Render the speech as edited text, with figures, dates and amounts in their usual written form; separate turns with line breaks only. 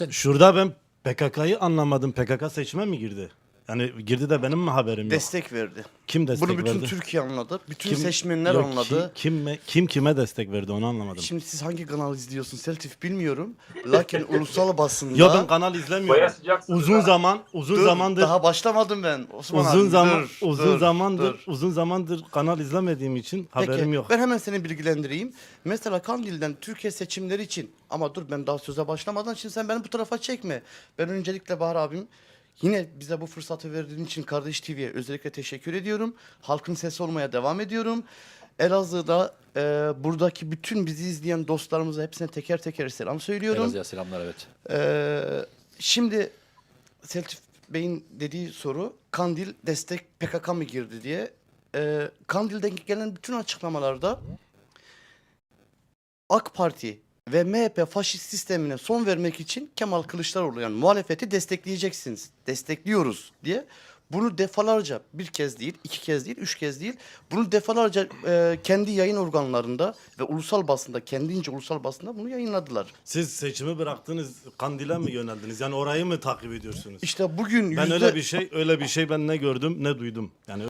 Şurada ben PKK'yı anlamadım. PKK seçime mi girdi? Yani girdi de benim mi haberim yok?
Destek verdi.
Kim destek
Bunu bütün
verdi?
Türkiye anladı. Bütün
Kim-
seçmenler
Yok,
anladı.
kim kime destek verdi onu anlamadım.
Şimdi siz hangi kanal izliyorsun Seltif bilmiyorum. Lakin ulusal basında...
Ya ben kanal izlemiyorum.
Bayağı sıcaksınız
Uzun
ha.
zaman, uzun
Dur,
zamandır
daha başlamadım ben. Osman
uzun
abi,
zaman
dur,
uzun
dur,
zamandır
dur.
uzun zamandır kanal izlemediğim için haberim
Peki,
yok.
ben hemen seni bilgilendireyim. Mesela Kandil'den Türkiye seçimleri için, ama dur ben daha söze başlamadan şimdi sen beni bu tarafa çekme. Ben öncelikle Bahar abim yine bize bu fırsatı verdiğin için Kardeş TV'ye özellikle teşekkür ediyorum. Halkın sesi olmaya devam ediyorum. Elazığ'da buradaki bütün bizi izleyen dostlarımıza hepsine teker teker selam söylüyorum.
Elazığ'a selamlar, evet.
Şimdi Selçuk Bey'in dediği soru Kandil destek PKK mı girdi diye. Kandil'den gelen bütün açıklamalarda AK Parti ve MHP faşist sistemine son vermek için Kemal Kılıçdaroğlu yani muhalefeti destekleyeceksiniz, destekliyoruz diye. Bunu defalarca bir kez değil, iki kez değil, üç kez değil. Bunu defalarca kendi yayın organlarında ve ulusal basında, kendince ulusal basında bunu yayınladılar.
Siz seçimi bıraktınız, Kandil'e mi yöneldiniz? Yani orayı mı takip ediyorsunuz?
İşte bugün
Ben
yüzde...
öyle bir şey ben ne gördüm ne duydum. Yani